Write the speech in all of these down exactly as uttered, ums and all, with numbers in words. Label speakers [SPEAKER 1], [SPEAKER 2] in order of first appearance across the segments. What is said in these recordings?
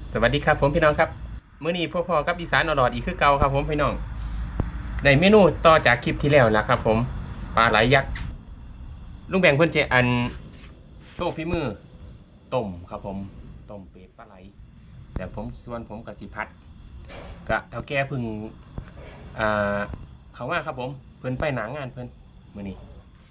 [SPEAKER 1] สวัสดีครับผมพี่น้องครับมื้อนี้พ่อพ่อกับอีสานอรอดอีกคือเก่าครับผมพี่น้องในเมนูต่อจากคลิปที่แล้วนะครับผมปลาไหลยักษ์ลุงแบ่งเพิ่นจะอันโชว์ฝีมือต้มครับผมต้มเป็ดปลาไหลแต่ผมส่วนผมกับสิพัดกะเท่าแก่พึ่งอ่าเขาว่าครับผมเพิ่นไปหนังงานเพิ่นมื้อนี้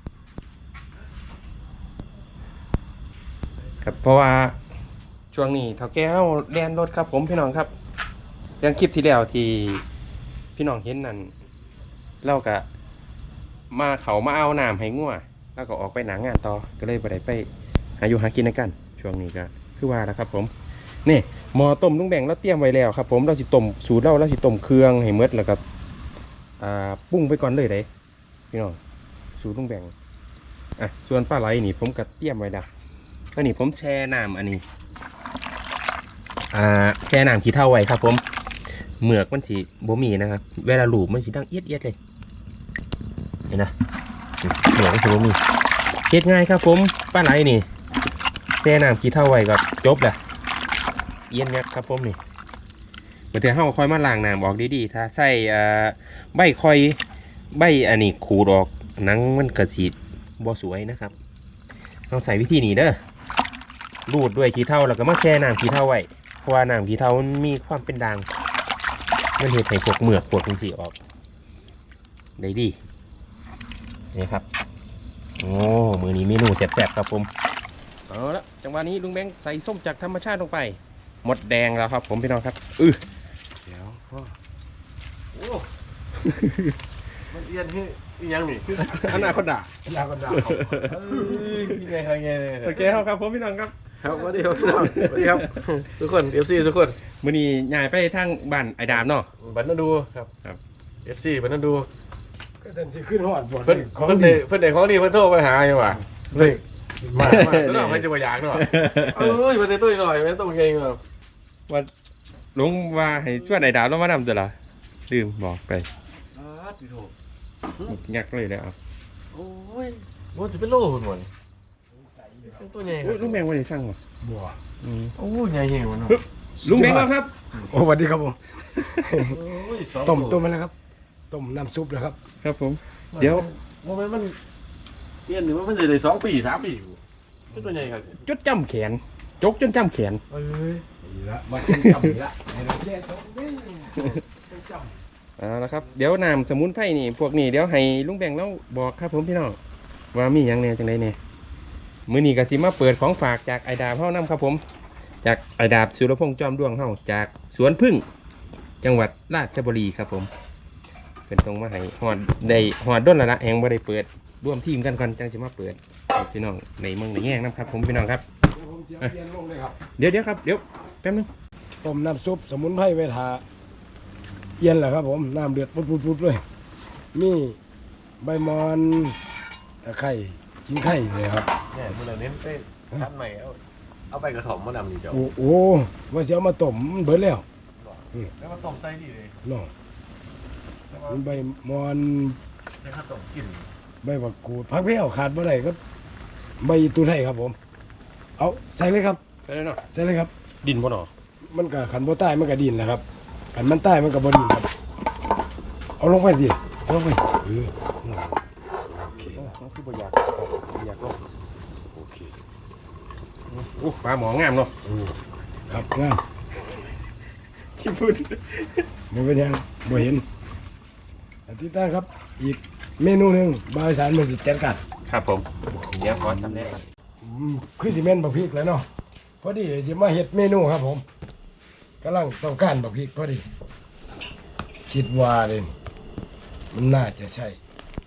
[SPEAKER 1] ครับเพราะว่าช่วงนี้เท่าแก่เราเรียนรถครับผมพี่น้องครับเรื่องคลิปที่แล้วที่พี่น้องเห็นนั่นเราก็มาเขามาเอาน้ำให้งัวแล้วก็ออกไปหนังงานต่อก็เลยไปได้ไปหาอยู่หากินในกันช่วงนี้ก็คือว่าแล้วครับผมนี่หม้อต้มลุงแบ่งเราเตรียมไว้แล้วครับผมเราสิต้มสูตรเราเราสิต้มเครื่องให้หมดแล้วก็อ่าปรุงไปก่อนเลยได้พี่น้องสูตรลุงแบ่งอ่ะส่วนปลาไหลนี่ผมก็เตรียมไว้ละก็นี่ผมแช่น้ำอันนี้อ่าแช่น้ำขี้เถ้าไว้ครับผมเหมือกมันสีบ่มีนะครับเวลาหลูบมันสีดังเอียดเอียดเลยเห็นนะเหมือกมันสีบ่มีเฮ็ดง่ายครับผมปลาไหลนี่แช่น้ำขี้เถ้าไว้ก็จบแหละเอียนงักครับผมนี่เมื่อเธอเฮาคอยมาล้างน้ำออกดีๆถ้าใส่อ่าใบคอยใบอันนี้ขูดออกหนังมันกระสีบ่สวยนะครับต้องใส่วิธีนี้เด้อรูดด้วยขี้เถ้าแล้วก็มาแช่น้ำขี้เถ้าไว้เพราะว่าน้ำขี้เถ้ามันมีความเป็นด่างมันเห็ดให้พวกเหมือกพวกสีออกได้ดีนี่ครับโอ้มือนี้เมนูแซ่บๆครับผมเอาละจังหวะนี้ลุงแบงค์ใส่ส้มจากธรรมชาติลงไปหมดแดงแล้วครับผมพี่น้องครับอือเดี๋ยวพ่อ
[SPEAKER 2] โอ้ มันเอียนที่ยังนี่
[SPEAKER 1] อนาคตด่า
[SPEAKER 2] อนาคตด่ายังไงยังไง
[SPEAKER 1] โอเคครับผมพี่น้องครับ
[SPEAKER 2] ครับสวัสดีครับสวัสดีครับทุกคนเอฟซีทุกคน
[SPEAKER 1] มือนี้ย้ายไปทางบ้านไอ้ดามเนาะ
[SPEAKER 2] บันนันดูครับครับเอฟซีบันนันดู
[SPEAKER 3] ก็เดินจะขึ้นหอดบ่
[SPEAKER 2] เพิ่นเพิ่นเด็กเพิ่นเด็กของดีเพิ่นโทรไปหาอยู่ว่ะเฮ้ยมามาตัวน้องเพิ่นจะมาอยากเนาะเอ้ยมาเตะตุ้ยหน่อยมาตุ้ยเองเนาะ
[SPEAKER 1] ว่าลุงว่าให้ช่วยไอ้ดามแล้วมานำตัวละลืมบอกไป
[SPEAKER 2] อ้าพี่โถ
[SPEAKER 1] ยักเลยแล้ว
[SPEAKER 2] โอ้ยว่าจะเป็นโล่หุ่นหมดตัวใหญ่
[SPEAKER 1] ลุงแบงค์ว่าจะสร้างวะ
[SPEAKER 3] บัว
[SPEAKER 2] โอ้ยใหญ่เหี้ยวเนาะ
[SPEAKER 1] ลุงแบงค์ครับ
[SPEAKER 3] โอ้สวัสดีครับผมต้มต้มมาแล้วครับต้มน้ำซุปนะครับ
[SPEAKER 1] ครับผมเดี๋ยว
[SPEAKER 2] โมเมนต์มันเอี้ยนหรือว่ามันจะได้สองปีสามปีอยู่ตัวใหญ่ครับ
[SPEAKER 1] จดจำแขนจกจนจำแขน
[SPEAKER 2] เอ้ย
[SPEAKER 3] นี่ละมาจำนี่ละให้เราแยกตรงนี้จ
[SPEAKER 1] ำอ่าแล้วครับเดี๋ยวน้ำสมุนไพรนี่พวกนี้เดี๋ยวให้ลุงแบงค์แล้วบอกครับผมพี่น้องว่ามีอย่างแน่จังไดเนี่ยมื้อนี้ก็สิมาเปิดของฝากจากไอดาบเฮานำครับผมจากไอดาบสุรพงษ์จอมดวงเฮาจากสวนพึ่งจังหวัดราชบุรีครับผมเป็นตรงมาให้หอดได้หอดด้นละละแหงบ่ได้เปิดร่วมทีมกันก่อนจังสิมาเปิดพี่น้องในเมืองในแง่น้ำครับผมพี่น้องครับเดี๋ยวเดี๋ยวครับเดี๋ยวแป๊บนึง
[SPEAKER 3] ต้มน้ำซุปสมุนไพรไว้ทาเย็นแหละครับผมน้ำเดือดปุดๆๆเลยนี่ใบมอนตะไคร้ชิ้นไข่เลยครับ
[SPEAKER 2] เนี่ยมันเน้นไปทัดใหม่เอาเอาไปกระถมมาดำนี่เจ้า
[SPEAKER 3] โอ้โหว่าเสียมาต้มเบิดแล้ว
[SPEAKER 2] แล้วมาต้มใจดีเลย
[SPEAKER 3] เนาะใบมอน
[SPEAKER 2] ให้ข้าวต้มกิน
[SPEAKER 3] ใบผักกูดผักเพี้ยวขาดบ่ได้ครับใบตูไทยครับผมเอาใส่เลยครับ
[SPEAKER 1] ใส่เลยเนาะ
[SPEAKER 3] ใส่เลยครับ
[SPEAKER 1] ดินบ่หนอ
[SPEAKER 3] มันก็ขันบ่ใต้มันก็ดินนะครับขันมันใต้มันก็บ่ดินครับเอาลงไปดิลงไปเออ
[SPEAKER 1] โอเคต้องคือบ่อยากอยากลงโอเคโอ้ปลาหมองามเนาะ
[SPEAKER 3] ครับงาม
[SPEAKER 1] ขี้พูด
[SPEAKER 3] บ่เป็นยังบ่เห็นอันที่ตั้งครับอีกเมนูหนึ่งบายสารมันสิจัดการ
[SPEAKER 1] ครับผมเดี๋ยวขอทำแน่ก่อน
[SPEAKER 3] คือสิเมนบักพริกแล้วเนาะพอดีจะมาเฮ็ดเมนูครับผมกำลังต้องการบักพริกพอดีคิดว่าเลยมันน่าจะใช่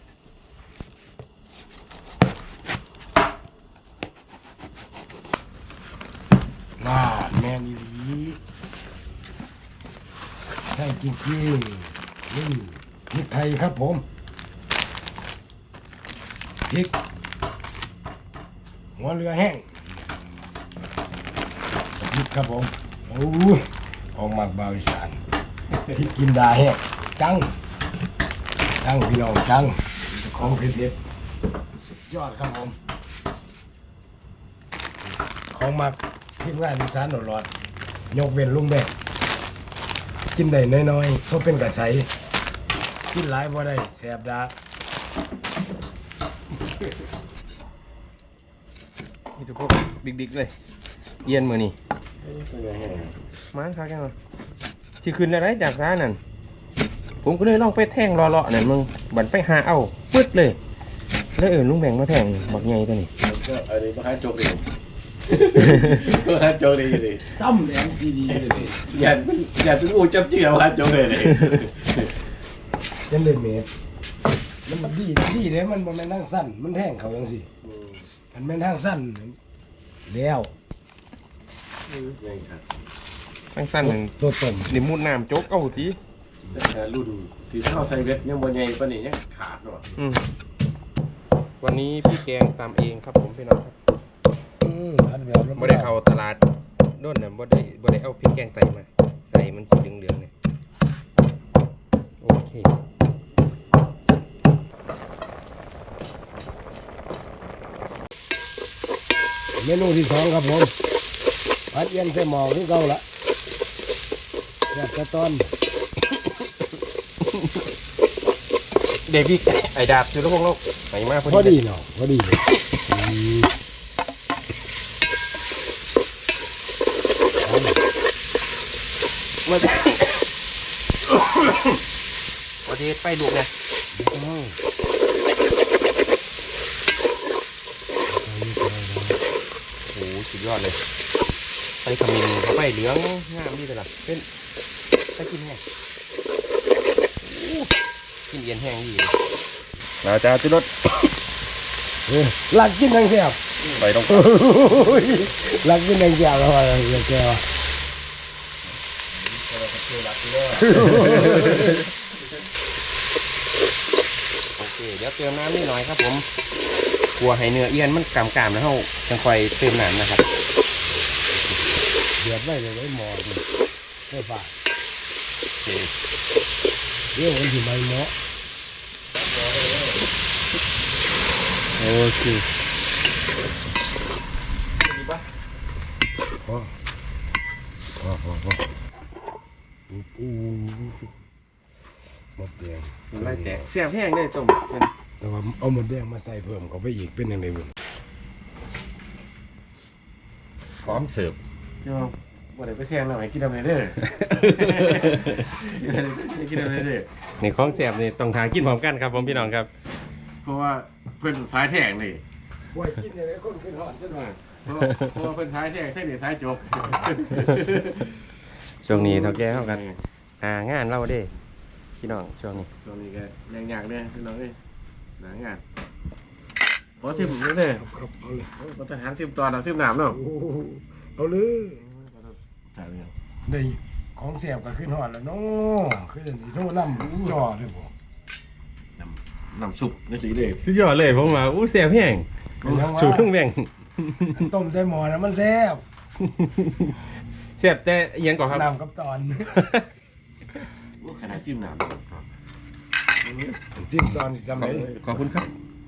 [SPEAKER 3] น่าแม่นอีหลีใช่จริงๆนี่พริกไทยครับผมพริกหัวเรือแห้งพริกครับผมโอ้ยออกมาบาวอีสานพริกกินดาแห้งจังจังพี่น้องจังของเผ็ดเด็ดยอดครับผมของมักทีมงานอีสานหลอดยกเว้นลุงแบกกินได้น้อยๆเพราะเป็นกระใสกินหลายบ่ได้แสบดา
[SPEAKER 1] นี่ทุกพวกดิกๆเลยเย็นมือนี่มาครับแกมาสิขึ้นอะไรจากร้านนั่นผมก็เลยลองไปแท่งรอเลาะนั่นมึงบันไปหาเอาปึ๊ดเลยแล้วเออลุงแบ่งมาแท่งบักใหญ่ตัวนี้
[SPEAKER 2] ก็อันนี้มาหาโจกดิมาหาโจกดิดิ
[SPEAKER 3] ซ้ำแหลมดีๆเลย
[SPEAKER 2] อย่าอย่าเป็นงูจับเจือมาหาโจกเลยเลย
[SPEAKER 3] ยันเล่นเมตรมันดีดีเลยมันบ่แม่นทางสั้นมันแท่งเขาจังซี่มันแม่นทางสั้นแล้ว
[SPEAKER 1] ตั้งสั้นหนึ่ง
[SPEAKER 3] ตัวต้ม
[SPEAKER 1] นี่มุดน้ำโจ๊กเอาที
[SPEAKER 2] แต่รุ่นที่เข้าใส่เวทยังบนใหญ่ปานนี้ยังขาดเนาะ
[SPEAKER 1] อืมวันนี้พี่แกงตามเองครับผมพี่น้องครับ
[SPEAKER 3] อืมอันแบบนั้น
[SPEAKER 1] บ่ได้เข้าตลาดโน่นน่ะบ่ได้บ่ได้เอาพริกแกงไตมาใส่มันสีเหลืองๆเนี่ยโอเค
[SPEAKER 3] เมนูที่สองครับผมผัดเอียนใส่หม้อคือเก่าละแบบตะตอน
[SPEAKER 1] เดวิดไอ้ดาบสุรพงษ์โลกไปมาพ
[SPEAKER 3] พอ
[SPEAKER 1] อ
[SPEAKER 3] ดี
[SPEAKER 1] ดี
[SPEAKER 3] เนาะพอดีเลยอืม
[SPEAKER 1] มาพอดีไปลูกนะ
[SPEAKER 3] อืม
[SPEAKER 1] โอ้โหสุดยอดเลยไปขมิ้นเข้าไปเหลืองงามดีเลยล่ะเป็นไปกินแห้งโอ้กินเย็นแห้งดีเลยเราจะจุดรถ
[SPEAKER 3] เออหลักกินทั้งแซ่บ
[SPEAKER 1] ไปตรง
[SPEAKER 3] โอ้ยหลักกินทั้งแซ่บแล้วว่าอย่างแซ่บ
[SPEAKER 1] โอเคเดี๋ยวเติมน้ำนิดหน่อยครับผมกลัวให้เนื้อเอียนมันกำกำแล้วเขาจังค่อยเติมน้ำนะครับ
[SPEAKER 3] เดือดไว้เลยไว้หม้อนี่ไม่ฝาด
[SPEAKER 1] โอเค
[SPEAKER 3] เดี๋ยวมันสิไหม้หม้อ
[SPEAKER 1] โอเค
[SPEAKER 3] พอพอพอพออู้หมดแดง
[SPEAKER 1] ไล่แตกเสียบแห้งเลยต้ม
[SPEAKER 3] แต่ว่าเอาหมดแดงมาใส่เพิ่มเข้าไปอีกเป็นยังไงบุญ
[SPEAKER 2] พร้อมเสิร์ฟเดี๋ยวบ่ได้ไปแทงแล้วให้กินอะไรเด้อให้กินอะไรเด้อ
[SPEAKER 1] ในของเสียบนี่ต้องทากินพร้อมกันครับผมพี่น้องครับ
[SPEAKER 2] เพราะว่าเพิ่นสายแทงนี่
[SPEAKER 3] ว่ากินยังไงคนขึ้นหอดขึ้นมา
[SPEAKER 2] เพราะเพราะว่าเพิ่นสายแทงใช่นี่สายจบ
[SPEAKER 1] ช่วงนี้เท่าแก่เข้ากันหางานเราเด้พี่น้องช่วงนี้
[SPEAKER 2] ช่วงนี้ก็แรงยากเด้อพี่น้องเอ้ยหนางานขอชิมเด้อ
[SPEAKER 3] ครับเอาเลย
[SPEAKER 2] มาทหารซิมตอนเอาซิมน้ำเนาะ
[SPEAKER 3] โอ้โหเอาเลย
[SPEAKER 2] จ่ายเลย
[SPEAKER 3] ได้ของแสบก็ขึ้นหอดแล้วเนาะคือจะนี่โทษน้ำจ่อด้วยบ่
[SPEAKER 2] น้ำซุปนี่สิเด้อ
[SPEAKER 1] สุดยอดเลยผมว่าอู้เสียบแห้ง
[SPEAKER 3] ก็ยังว่า
[SPEAKER 1] สูตรเครื่องแบ่ง
[SPEAKER 3] ต้มใส่หม้อนะมันแซ่บ
[SPEAKER 1] เสียบแต่เอียงก่อนครับ
[SPEAKER 3] น้ำกับตอน
[SPEAKER 2] โอ้ขนาดซิมน้ำ
[SPEAKER 3] สิ้นตอนสิจำได้
[SPEAKER 1] ขอบคุณครับ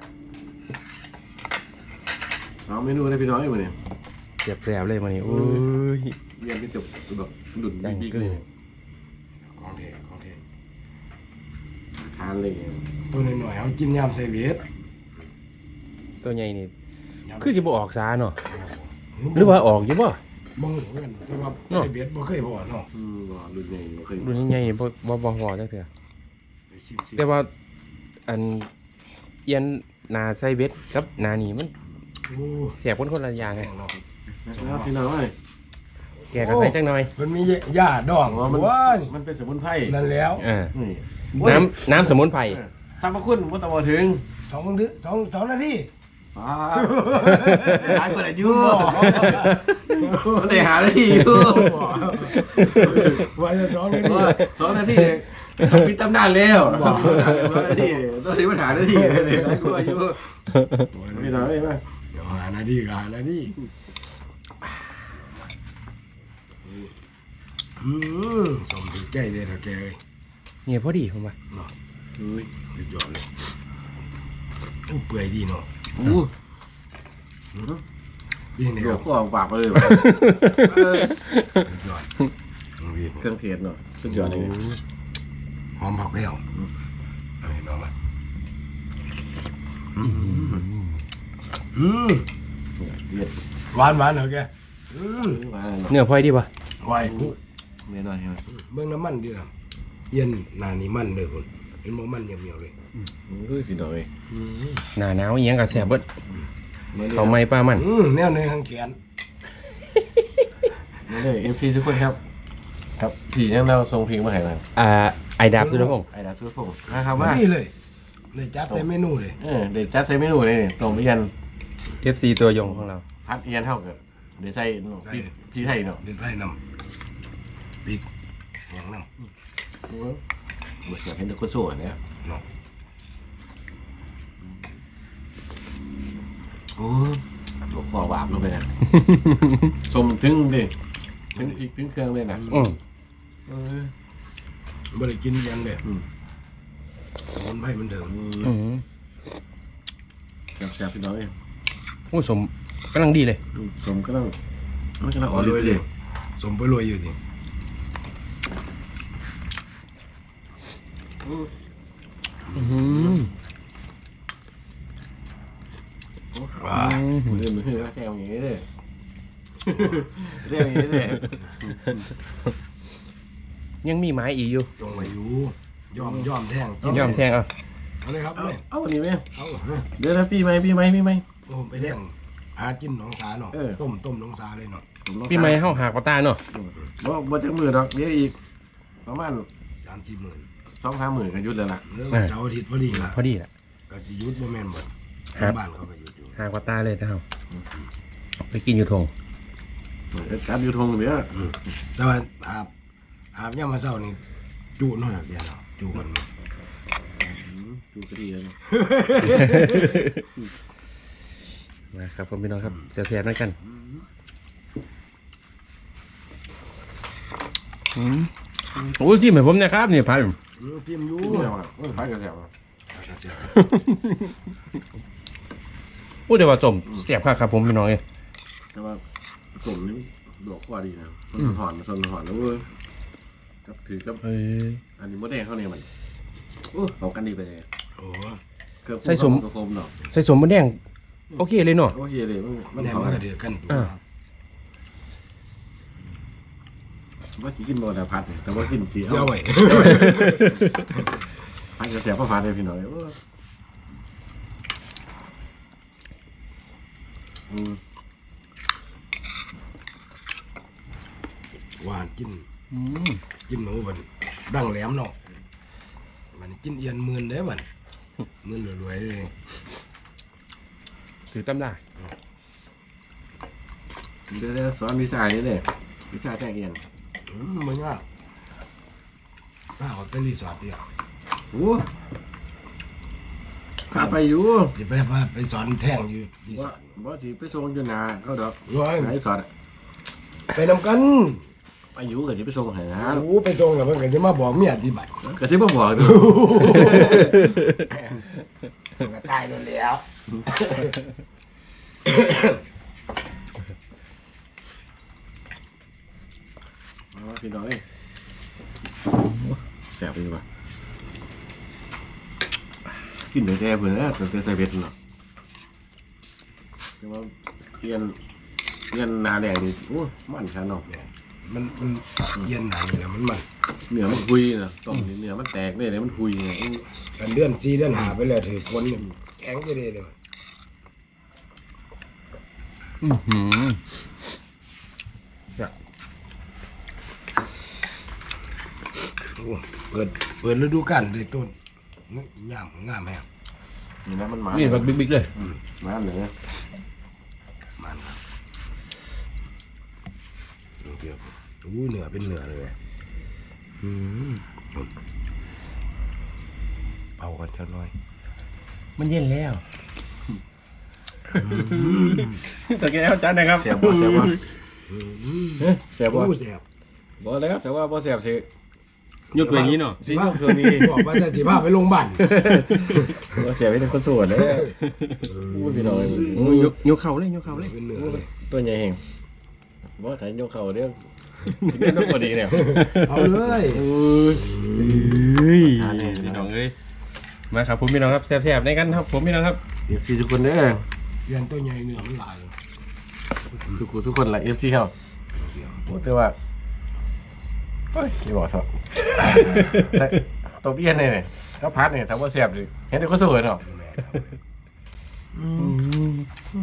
[SPEAKER 2] สองเมนูเลยพี่น้องเอ้ยมื้อนี้
[SPEAKER 1] เสียบแสบเลยมันนี่โอ้ย
[SPEAKER 2] เรียนไปจบแบบดุน
[SPEAKER 1] จัง
[SPEAKER 2] บิ๊ก
[SPEAKER 1] กึ่
[SPEAKER 2] ๆ
[SPEAKER 1] ง
[SPEAKER 2] เลย
[SPEAKER 3] ของเทของเท
[SPEAKER 2] ทานเลย
[SPEAKER 3] ตัวหน่อยๆเอากินยำใส่เวท
[SPEAKER 1] ตัวใหญ่นี่
[SPEAKER 3] ยำ
[SPEAKER 1] คือสิบ่ออกซาเนาะหรือว่าออกอยู่บ่
[SPEAKER 3] บ่งเงินแต่ว่าใส่เวทบ่เคยพอเนาะ
[SPEAKER 2] อืมบ่รุ่นใหญ่บ่เคย
[SPEAKER 1] รุ่นใหญ่ๆนี่บ่บ่บ่พอจักเทื่อ
[SPEAKER 3] ไปซิมซิ
[SPEAKER 1] แต่ว่าอันเอียนหนาไซเบ็ดครับหนานี่มัน
[SPEAKER 3] โอ้
[SPEAKER 1] เสียบคนคนละอย่างไง
[SPEAKER 3] แข็งเนาะ
[SPEAKER 2] แล้วพี่น้องเอ้ย
[SPEAKER 1] แกก็ใส่จังหน่อย
[SPEAKER 3] มันมีหญ้าดอง
[SPEAKER 2] อ๋อมัน
[SPEAKER 3] ว้าย
[SPEAKER 2] มันเป็นสมุนไพร
[SPEAKER 3] นั่นแล้ว
[SPEAKER 1] อ่า
[SPEAKER 2] นี่
[SPEAKER 1] น้ำน้ำสมุนไพร
[SPEAKER 2] สรรพคุณบ่ต้องบ่ถึง
[SPEAKER 3] สองเดือนสองสองนาที
[SPEAKER 2] ป้าหลายคนอายุมันได้หาได้อยู่
[SPEAKER 3] ว่าจะสองนาที
[SPEAKER 2] สองนาทีเนี่ยต้องปิดตำนานแล้วสองนาทีต้องถึงปัญหานาทีเลยหลายคนอายุพี่น้องเอ้ยมา
[SPEAKER 3] เดี๋ยวหานาทีก็หานาทีอืมสมถือแก้เลยเถอะแกเอ้ย
[SPEAKER 1] เนี่ยพอดีผมว่า
[SPEAKER 2] อุ้ย
[SPEAKER 3] สุดยอดเลยโอ้เปื่อยดีเนาะ
[SPEAKER 2] อู้
[SPEAKER 3] ยิ่งนี่
[SPEAKER 2] หล
[SPEAKER 3] คว รั
[SPEAKER 2] ง
[SPEAKER 3] บ
[SPEAKER 2] ก็ออกปากมาเลย
[SPEAKER 3] สุดยอดนี่
[SPEAKER 2] เครื่องเทศเนาะสุดยอดเลย
[SPEAKER 3] หอมผักแก้วเอาเห็นน้องมาอืม
[SPEAKER 2] เย็ด
[SPEAKER 3] หวานหวานเหรอแกอืม
[SPEAKER 2] มา
[SPEAKER 1] เนื้อพลอยดีป่ะ
[SPEAKER 3] ไหวปุ๊
[SPEAKER 2] เนื้อหน่อยใช่ไหม
[SPEAKER 3] เบื้องน้ำมันดีนะเย็นหนานี่มันเลยคุณเห็นบ่มันเหี่ยวๆเลย
[SPEAKER 2] ด้วยพี่น้อย
[SPEAKER 1] หน้าหนาวอีหยังก็แซ่บเบิดเขาวไหม้ปลามัน
[SPEAKER 3] อืมแนวเนื้อข้างแขน
[SPEAKER 2] นี่เลยเอฟซีทุกคนครับ ครับผียังเราทรงเพลงมาให้มา
[SPEAKER 1] อ่าไอดาบสุรพงษ์
[SPEAKER 2] ไอ้ดาบสุดพงศ์นะครับ
[SPEAKER 3] มา
[SPEAKER 2] ว่า
[SPEAKER 3] ดีเลยเลยจัดแต่เมนูเลย
[SPEAKER 2] เออเดี๋ยวจัดใส่เมนูเลยตรงไปยัน
[SPEAKER 1] เอฟซีตัวยงของเรา
[SPEAKER 2] พัดเอียนเท่ากันเดี๋ยวใส่พี่พี่ไทยเนาะ
[SPEAKER 3] เด็ดไร่น้ำปีกแห้งน้ำ
[SPEAKER 2] บทเสียงเห็นแต่คนสู้เนี่ย
[SPEAKER 3] เนาะ
[SPEAKER 2] โอ้หลวงพ่อบาปลงไปนะสมถึงดิถึงพริกถึงเครื่องเลยนะ
[SPEAKER 1] อืม
[SPEAKER 2] เออ
[SPEAKER 3] บ่ได้กินยันเลย
[SPEAKER 2] อืม
[SPEAKER 3] มันไม่เหมือนเดิม
[SPEAKER 1] อืม
[SPEAKER 2] แซ่บๆพี่น้องเอง
[SPEAKER 1] โอ้สมกำลังดีเลย
[SPEAKER 2] สมก็ต้องมันก็ต้อง
[SPEAKER 3] อ๋
[SPEAKER 2] อ่
[SPEAKER 3] อ
[SPEAKER 2] อน
[SPEAKER 3] รวย
[SPEAKER 2] เล
[SPEAKER 3] เลย ยสมไปรวยอยู่ดิ
[SPEAKER 1] อืม
[SPEAKER 3] ว้า
[SPEAKER 2] มือมือแซ่บอย่างนี้เลยแซ่บอย่างนี้เลย
[SPEAKER 1] ยังมีไม้อีกอยู่
[SPEAKER 3] จงมาอยู่ยอมยอมแทง
[SPEAKER 1] ยอมแทงเอา
[SPEAKER 3] เอาเลยครับ
[SPEAKER 2] เอา
[SPEAKER 3] เลย
[SPEAKER 2] เอาอันนี้ไหม
[SPEAKER 3] เอา
[SPEAKER 2] เดี๋ยวนะพี่ไหมพี่ไหมพี่ไหม
[SPEAKER 3] โอ้ไปแทงหากินหนองสาเนาะ
[SPEAKER 2] เออ
[SPEAKER 3] ต้มต้มหนองสาเลยเนาะ
[SPEAKER 1] พี่ไม้เฮาหากว่าตาเนาะ
[SPEAKER 2] บ่บ่จักมือดอกเดี๋ยวอีกประมาณ
[SPEAKER 3] สามสี่หมื่น
[SPEAKER 2] สองสามหมื่นก็หยุดแล้วล่ะ
[SPEAKER 3] เนื้อเสาร์อาทิตย์พอดีละ
[SPEAKER 1] พอดีแหละ
[SPEAKER 3] ก็สิหยุดบ่แม่นหมด
[SPEAKER 1] ครับ
[SPEAKER 3] บ้านเขาก็หยุดอยู่
[SPEAKER 1] หากว่าตาเลยเฮาไปกินอยู่ทง
[SPEAKER 2] การอยู่ทงเดี๋ยว
[SPEAKER 3] แต่ว่าอาบอาบยามมาเช้านี่จุเนาะเดี๋ยวเนาะจุกัน
[SPEAKER 2] ดูก็ดีเลย
[SPEAKER 1] นะครับผมพี่น้องครับแซ่บๆนั่นกันอืมโอ้ที่เหมือนผมนะครับนี่พัน
[SPEAKER 3] อืมจิ้มอยู่
[SPEAKER 2] เดี๋ยวอ่ะโอ้ยพักกันแซ่บ
[SPEAKER 3] ก็เสีย
[SPEAKER 1] โอ้เดี๋ยวว่าจมแซ่บครับครับผมพี่น้องเอ้ย
[SPEAKER 2] แต่ว่าสมนี่ดอกกว่าดีนะมันหอนมันหอนแล้วเว้ยกับถือกับ
[SPEAKER 1] เอ้ย
[SPEAKER 2] อันนี้มดแดงเข้าเนี่ยมันโอ้เข้ากันดีไปเลย
[SPEAKER 3] โอ้
[SPEAKER 2] เครื่อง
[SPEAKER 1] ใส่สม
[SPEAKER 2] กระโคมเนาะ
[SPEAKER 1] ใส่สมมะแดงโอเคเลยเนาะ
[SPEAKER 2] โอเคเลยมันมัน
[SPEAKER 3] แน่
[SPEAKER 2] เข้า
[SPEAKER 3] มัน
[SPEAKER 2] กั
[SPEAKER 3] ก็
[SPEAKER 2] น
[SPEAKER 3] เดือดกันตัว
[SPEAKER 1] อ่า
[SPEAKER 2] ว่าสิกินบ่แต่ผัดเนี่ยแต่ว่ากินสี
[SPEAKER 3] เสีย
[SPEAKER 2] เอา
[SPEAKER 3] ไว้
[SPEAKER 2] ผัดจะแซ่บเพราะผัดเลยพี่น้อยโอ้ยอืม
[SPEAKER 3] หวานกิน
[SPEAKER 1] อืม
[SPEAKER 3] กินหนูบันดังแหลมเนาะมันกินเอียนหมื่นเด้บันหมื่นรวยๆเลย
[SPEAKER 1] ถือตำได้
[SPEAKER 2] เดี๋ยวเดี๋ยวสอนวิชานี้เลยวิชาแจ้งเอียน
[SPEAKER 3] อืมมันยากถ้าเอาเป็นรีสอร์ทเดียว
[SPEAKER 2] โอ้พาไปอยู่
[SPEAKER 3] จะไปพาไปสอนแท่งอยู่รีสอ
[SPEAKER 2] ว่า
[SPEAKER 3] ร์ท
[SPEAKER 2] บ่สิไปส่งอยู่นาเขาดอก
[SPEAKER 3] ร้อย
[SPEAKER 2] ไหนสอนอะ
[SPEAKER 3] ไปนำกัน
[SPEAKER 2] ไปอยู่ก็สิไปส่งให้นะ
[SPEAKER 3] โอ้ไปส่งแล้วมันก็จะมาบอกเมียที่บัตร
[SPEAKER 2] ก็สิบ่บอกดู
[SPEAKER 3] มันก็ตายแล้วแล้ว
[SPEAKER 2] เอาว่าพี่น้อยแซ่บดีว่ะกินได้แต่เพิ่นนะแต่ใส่เบ็ดเนาะแต่ว่าเปลี่ยนเปลี่ยนหนาแดงนี่โอ้มันคันเนาะ
[SPEAKER 3] มันมันเย็นหนานี่แหละมันมัน
[SPEAKER 2] เนื้อมันคุยนะต้มนี่เนื้อมันแตกเลยเลยมันคุยไง
[SPEAKER 3] กันเดือนสี่เดือนหาไปแล้วถือคนนี่แข็งจะได้เลยมัน
[SPEAKER 1] อือหือ
[SPEAKER 3] โอ้เปิดเปิดฤดูกาลเลยต้นงามงามแฮง
[SPEAKER 2] นี่นะมันหมา
[SPEAKER 1] นี่แบบบิ๊กๆเลย
[SPEAKER 2] หมาเหนือ
[SPEAKER 3] มันครับดูเดียวอู้เหนือเป็นเหนือเลยอืมเป่ากันเท่าน้อย
[SPEAKER 1] มันเย็นแล้วตะแกรงจานนะครับ
[SPEAKER 2] แซ่บบ่แซ่บบ่
[SPEAKER 3] อืม
[SPEAKER 2] แซ่บบ่
[SPEAKER 3] อู้แซ่บ
[SPEAKER 2] บ่แล้วแต่ว่าบ่แซ่บสิ
[SPEAKER 1] ยกตัวอย่างนี้เนาะ
[SPEAKER 2] สิพาช่วงนี้
[SPEAKER 3] บอกว่าจะสิพาไปโรงพยาบาล
[SPEAKER 2] บ่แซ่บเป็นคนสวยเลยอู้พี่น้อย
[SPEAKER 1] โอ้ยยกยกเข่าเลยยกเข่าเลย
[SPEAKER 3] เป็นเหนือเลย
[SPEAKER 2] เตัวใหญ่เองบ่ถ่ายยกเข่าเด้อถึงได้ต้องพอดีเนี่ย
[SPEAKER 3] เอาเลย
[SPEAKER 2] เออ
[SPEAKER 1] เฮ้ย
[SPEAKER 2] ทานเลย
[SPEAKER 1] พี่น้องเอ้ยมาครับผมพี่น้องครับแซ่บๆในกันครับผมพี่น้องครับ
[SPEAKER 2] เอฟซีทุกคนเด้อ
[SPEAKER 3] เรียนตัวใหญ่เนื้อมันหลาย
[SPEAKER 2] ทุกคนทุกคนแหละเอฟซีเขาโอ้แต่ว่าเฮ้ยนี่บอกเถอะแต่ตัวเบี้ยเนี่ยเนี่ยแล้วพัดเนี่ยถามว่าแซ่บดิเห็นแต่ก็สวยเนาะอืม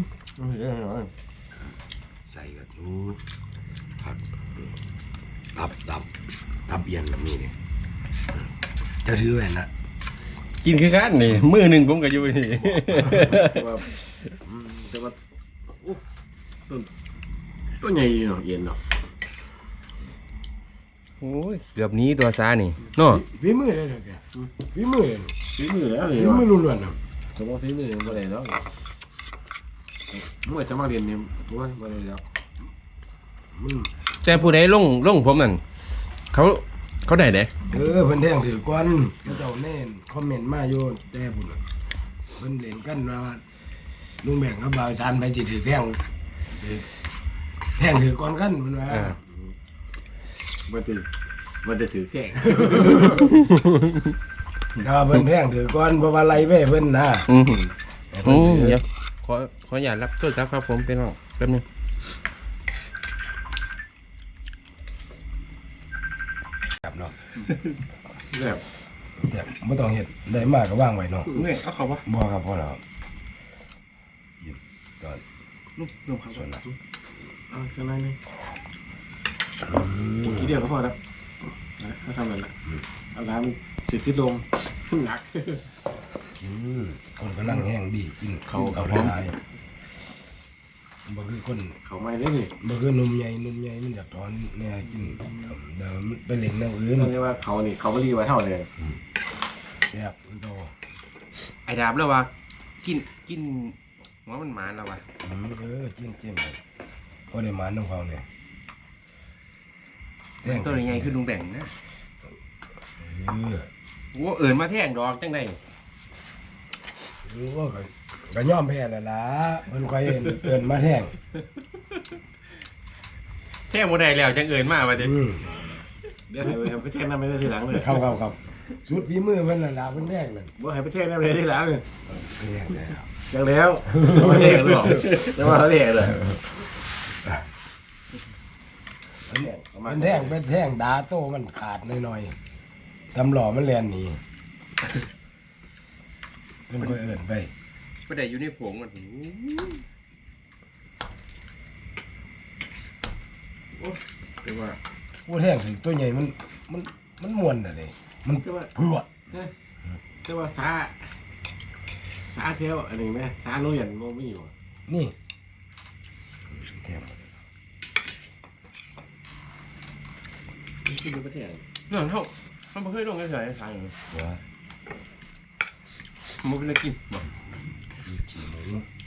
[SPEAKER 3] ใส่กับนูผักตับตับตับเอียนแบบนี้เนี่ยจะถือแหวนนะ
[SPEAKER 1] กินคือกันนี่มือหนึ่งผมก็อยู่นี่
[SPEAKER 2] แต่ว่าอืมแต่ว่าโอ้ต้นต้นใหญ่อยู่เนาะเย็นเนาะ
[SPEAKER 1] โอ้ยเกือบหนี้ตัวซานี่เนาะ
[SPEAKER 3] ฝีมือเลยเด้อแกฝีมือเลย
[SPEAKER 2] ฝีมือแล้วเลย
[SPEAKER 3] ฝีมือ
[SPEAKER 2] ว่ะ
[SPEAKER 3] ล้วนๆนะ
[SPEAKER 2] สมมติฝีมือบ่ได้แล้วเมื่อจะมาเรียนเนี่ยบ่ว่าบ่ได้แล้ว
[SPEAKER 3] มัน
[SPEAKER 1] แต่ผู้ใดลงลงผมนั่นเขาเขาได้เด้
[SPEAKER 3] เออเพิ่นแท่งถือก้อนก็เจ้าแน่นคอมเมนต์มาอยู่แต่พุ่นน่ะเพิ่นเล่นกันว่าลุงแบ่งกับบ่าวชานไปสิถือแท่งถือแท่งถือก้อนกันเพิ่นว่า
[SPEAKER 2] บ่ได้บ่ได้ถือแข้ง
[SPEAKER 3] แต่ว่าเพิ่นแท่งถือก้อนเพราะว่าไล่ไปเพิ่นนะ
[SPEAKER 1] อืม
[SPEAKER 3] แต่
[SPEAKER 1] โอ้
[SPEAKER 3] เพิ่นถือ
[SPEAKER 1] เดี๋ยวขอขออย่าตรับโทษครับครับผมเป็นน้องแป๊บนึง
[SPEAKER 3] ครับเนาะ
[SPEAKER 2] แบบ
[SPEAKER 3] แต่บ่ต้องเฮ็ดได้มากก็วางไว้เนาะ
[SPEAKER 1] เมื่อยเอาเขาวะ
[SPEAKER 3] บ่ครับพ่อแล้วหยิบก่อน
[SPEAKER 1] ลูกลูกครับ
[SPEAKER 3] ส่วนละ
[SPEAKER 2] เอาข้างในนี่ทีเดียวก็พอแล้วถ้าทำแบบนั้นเอาน้ำสิติดลมหนัก
[SPEAKER 3] อืมคนกำลังแห้งดีกิน
[SPEAKER 2] เขา
[SPEAKER 3] เขา
[SPEAKER 2] เขา
[SPEAKER 3] ได้บ่คือคน
[SPEAKER 2] เขาไม่ได้นี่
[SPEAKER 3] บ่คือหนุ่มใหญ่หนุ่มใหญ่มันอยากถอนแน่กินเดี๋ยวมันไปเล่นแนวอื่น
[SPEAKER 2] ต้องเรียกว่าเขานี่เขาไม่รีไว้เท่าเลย
[SPEAKER 3] แซ่บมันโต
[SPEAKER 1] ไอ้ดาบแล้ววะกินกินหัวมันหมานแล้ววะ
[SPEAKER 3] อืมเออจิ้มจิ้มไปพอได้หมาน้ำเขาเนี่ยแท่ง
[SPEAKER 1] ตัวใหญ่คือลุงแบ่งนะ
[SPEAKER 3] เออ
[SPEAKER 1] โอ้เอิญมาแท่งดอกจังได
[SPEAKER 3] เออว่าก็ก็ยอมแพ้แล้วล่ะเพิ่นค่อยเอิ้นเอิ้นมาแท่ง
[SPEAKER 1] แท่งบ่ได้แล้วจังเอิญมาว่าเด้
[SPEAKER 3] อืม
[SPEAKER 2] เดี๋ยวให้ไปไปแท่งน้ำไม่ได้ทีหลังเลย
[SPEAKER 3] ครับครับครับสุดฝีมือเพิ่นน่ะล่ะเพิ่นแท่งนั่น
[SPEAKER 2] บ่ให้ไปแท่งน้ำไม่ได้ทีหลังเลย
[SPEAKER 3] ไปแท่งแล้ว
[SPEAKER 2] อย่างแล้วมาแท่งหรือเปล่าจะมาเขาแท่งเลย
[SPEAKER 3] มันแท่งเป็นแท่งดาโต้มันขาดหน่อยๆทำหล่อมันแลนหนีมันก็เอิ้นไป
[SPEAKER 1] บ่ได้อยู่ในผงมัน
[SPEAKER 2] แต่ว่า
[SPEAKER 3] ผู้แท่งถึงตัวใหญ่มันมันมันม่วนน่ะเด้มัน
[SPEAKER 2] แต่ว่า
[SPEAKER 3] พรวด
[SPEAKER 2] แต่ว่าซาซาเที่ยวอันนี้ไหมซาโรงเรียนโมมีอยู่
[SPEAKER 3] นี่แท่ง
[SPEAKER 2] ขึ้นไปประเทศ
[SPEAKER 1] นั่นเฮาเฮาบ่เคยลงเฉยๆทางนี้
[SPEAKER 3] หัว
[SPEAKER 1] บ่เป็นกินบ่
[SPEAKER 3] มีขี้หมู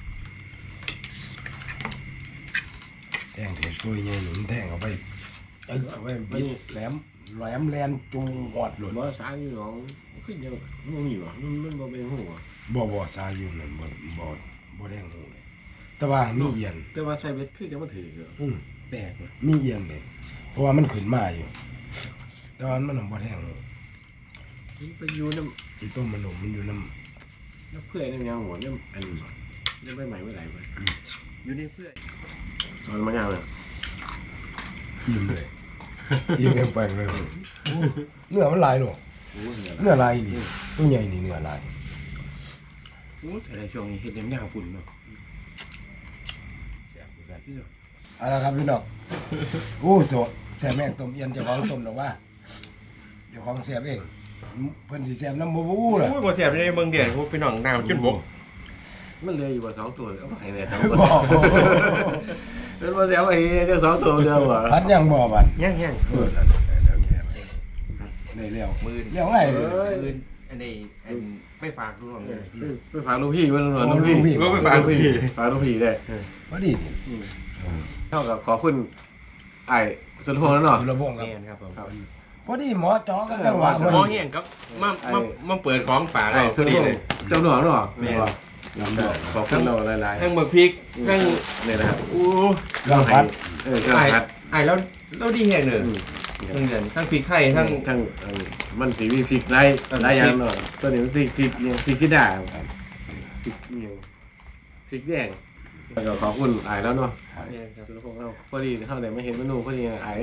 [SPEAKER 3] แท่งถึงตัวใหญ่หนุนแท่งเอาไปเอ้ยเอาไปบิดแหลมแหลมแลนจูงหอดหลุด
[SPEAKER 2] บ่ซาอยู่หรอกขึ้นเยอะโมมีอยู่มันมันบ่เป็นหัว
[SPEAKER 3] บ่บ่ซาอยู่นั่นบ่บ่บ่แดงหูเลยแต่ว่ามีเอียน
[SPEAKER 2] แต่ว่าใช้เบ็ดขึ้นจะมาถืออยู่
[SPEAKER 3] อืม
[SPEAKER 1] แปลกว่ะ
[SPEAKER 3] มีเอียนเลยเพราะว่ามันขึ้นมาอยู่แต่ว่ามันบ่แทงหู
[SPEAKER 2] มันไปอยู่น้
[SPEAKER 3] ที่ต้มมันหนมมันอยู่น้
[SPEAKER 2] ำน้ำเพื่อนน้ำยางหัวน้ำอันน้ำใบใหม่ใบไหลไป
[SPEAKER 1] อยู่ในเพื่อน
[SPEAKER 2] ตอนมันยาวเลย
[SPEAKER 3] ำอิ่มเลยอิ่มเต็มแปลงเลยโอ้เนื้อมันลายเนาะ
[SPEAKER 2] โอ้ยเนี่ย
[SPEAKER 3] เนื้อลายนี่ตัวใหญ่นี่เนื้อลาย
[SPEAKER 1] โอ้แต่ในช่วงนี้เฮ็ดยามๆฝุ่นเนาะ
[SPEAKER 3] แซ่บคือกันเอาละครับพี่น้องโอ้โสแซ่บแม่งต้มเอียนเจ้าของต้มหรอกว่าเจ้าของแซ่บเองเพิ่นสิแซ่บน้ำบ่บูล่ะ
[SPEAKER 1] โอ้ยบ่แซ่บในเมืองเดียดพวกพี่น้องน้ำจนบก
[SPEAKER 2] มันเลยอยู่ว่าสองตัวเอาไปให้เนี่ยทั้งหม
[SPEAKER 3] บ่
[SPEAKER 2] ดเป็นว่าเสียไปเจ้าสองตัวเดียวว่ะ
[SPEAKER 3] พัดยังบ่บัด
[SPEAKER 1] ยัง
[SPEAKER 3] เออนั่นเดี๋ยวแกไปได้แล้ว
[SPEAKER 1] ๆมือ
[SPEAKER 3] เลี้ยวง่ายเลย
[SPEAKER 1] มืออันนี้อันไปฝากลูกน้องเลย
[SPEAKER 2] ไปฝากลูกพี่มันหน่อยลูกพี่
[SPEAKER 1] ก็ไปฝากลูกพี่
[SPEAKER 2] ฝากลูกพี่ได้
[SPEAKER 3] พอดีนี่
[SPEAKER 2] เท่ากับขอคุณไอ้สุนทรแล้วเนาะ
[SPEAKER 3] สุรพงษ์ครับ
[SPEAKER 1] แม่นครับผม
[SPEAKER 3] พอดีหมอจอกันจังหวะ
[SPEAKER 1] หมอเฮียงครับมามามาเปิดของฝาก
[SPEAKER 2] ไอ้
[SPEAKER 1] เรา
[SPEAKER 2] สุ
[SPEAKER 1] พ
[SPEAKER 2] น
[SPEAKER 1] อ
[SPEAKER 2] ท
[SPEAKER 1] ดี
[SPEAKER 2] ร
[SPEAKER 1] เลย
[SPEAKER 2] เจ้าหน่อเนาะ
[SPEAKER 1] แม่น
[SPEAKER 3] ลำดอก
[SPEAKER 2] ขอบคุณเราหลาย
[SPEAKER 1] ทั้งเบิกพริกทั้ง
[SPEAKER 2] ๆนี่นะครับ
[SPEAKER 1] อู้
[SPEAKER 3] ลำพัด
[SPEAKER 2] เออเครื่อง
[SPEAKER 1] ไอ้
[SPEAKER 2] พัด
[SPEAKER 1] ไอ้แล้วแล้วดีแห่งหนึ่ง
[SPEAKER 2] อืม
[SPEAKER 1] ทั้งเดือนทั้งพริกไข่ทั้ง
[SPEAKER 2] ทั้งทั้งมันสีมีพริกไรหลายอย่างเนาะตัวนี้มันพริกพริกเนี่ยพริกกีดาพริกเนี่ยพริกแดงแล้วก็ขอบคุณอายแล้วเนาะ
[SPEAKER 1] เนี่ยครับ
[SPEAKER 2] แล้วพวกเราพอดีเข้าไหนมาเห็นเมนูพอดีอาย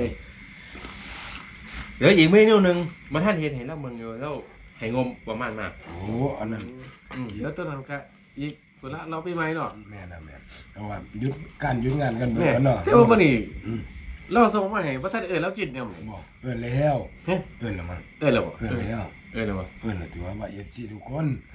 [SPEAKER 1] เหลืออีกเมนูหนึ่งมาท่านเห็นเห็นแล้วเมืองอยู่แล้วไหงมประมาณมาก
[SPEAKER 3] โอ้อันนั้น
[SPEAKER 1] อืม
[SPEAKER 2] แล้วตัวนั้นก็อีกเวลาเราไปไหมเนาะ
[SPEAKER 3] แม่นะแม่เอาว่าหยุดการหยุดงานกันเบิด
[SPEAKER 2] เนี่ย
[SPEAKER 3] กันเนาะ
[SPEAKER 2] เที่ยวมานี่เราส่งมาให้พระท่านเอ๋ยแล้วกินเนี่ยมั้ง
[SPEAKER 3] บอกเอิ้นแล้ว
[SPEAKER 2] เฮ้ย
[SPEAKER 3] เอิ้นแล้วมั้ง
[SPEAKER 2] เอ๋ยแล้วบ่
[SPEAKER 3] เอิ้นแล้ว
[SPEAKER 1] เออเลยวะ
[SPEAKER 3] เอิ้นแล้วถือว่าว่า เอฟ ซี ทุกคน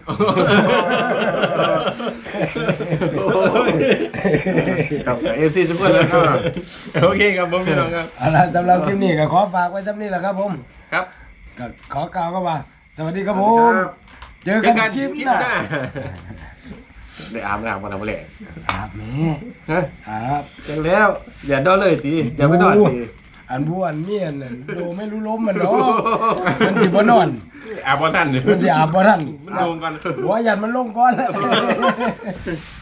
[SPEAKER 2] กับเอฟซีทุกคนแล้วก็
[SPEAKER 1] โอเคครับผมพี่น้องครับ
[SPEAKER 3] เอาล่ะสำหรับคลิปนี้ก็ขอฝากไว้เท่านี้แหละครับผม
[SPEAKER 1] ครับ
[SPEAKER 3] ก็ขอกล่าวก็ว่า สวัสดีครับผม เจอกันคลิปหน้า
[SPEAKER 2] ได้อาบน้ำมาทำอะไร
[SPEAKER 3] อาบแม่
[SPEAKER 2] ฮะ
[SPEAKER 3] อาบ
[SPEAKER 2] จังแล้ว อย่านอนเลยตีอย่าไปนอนตี
[SPEAKER 3] อันผู้อันเมียนั่นโดไม่รู้ล้มมันเนาะมันสิบ่นอน
[SPEAKER 1] อาบอทัน
[SPEAKER 3] มันสิอาบบ่ทัน
[SPEAKER 1] มันโดนกัน
[SPEAKER 3] หัวยันมันลงก่อน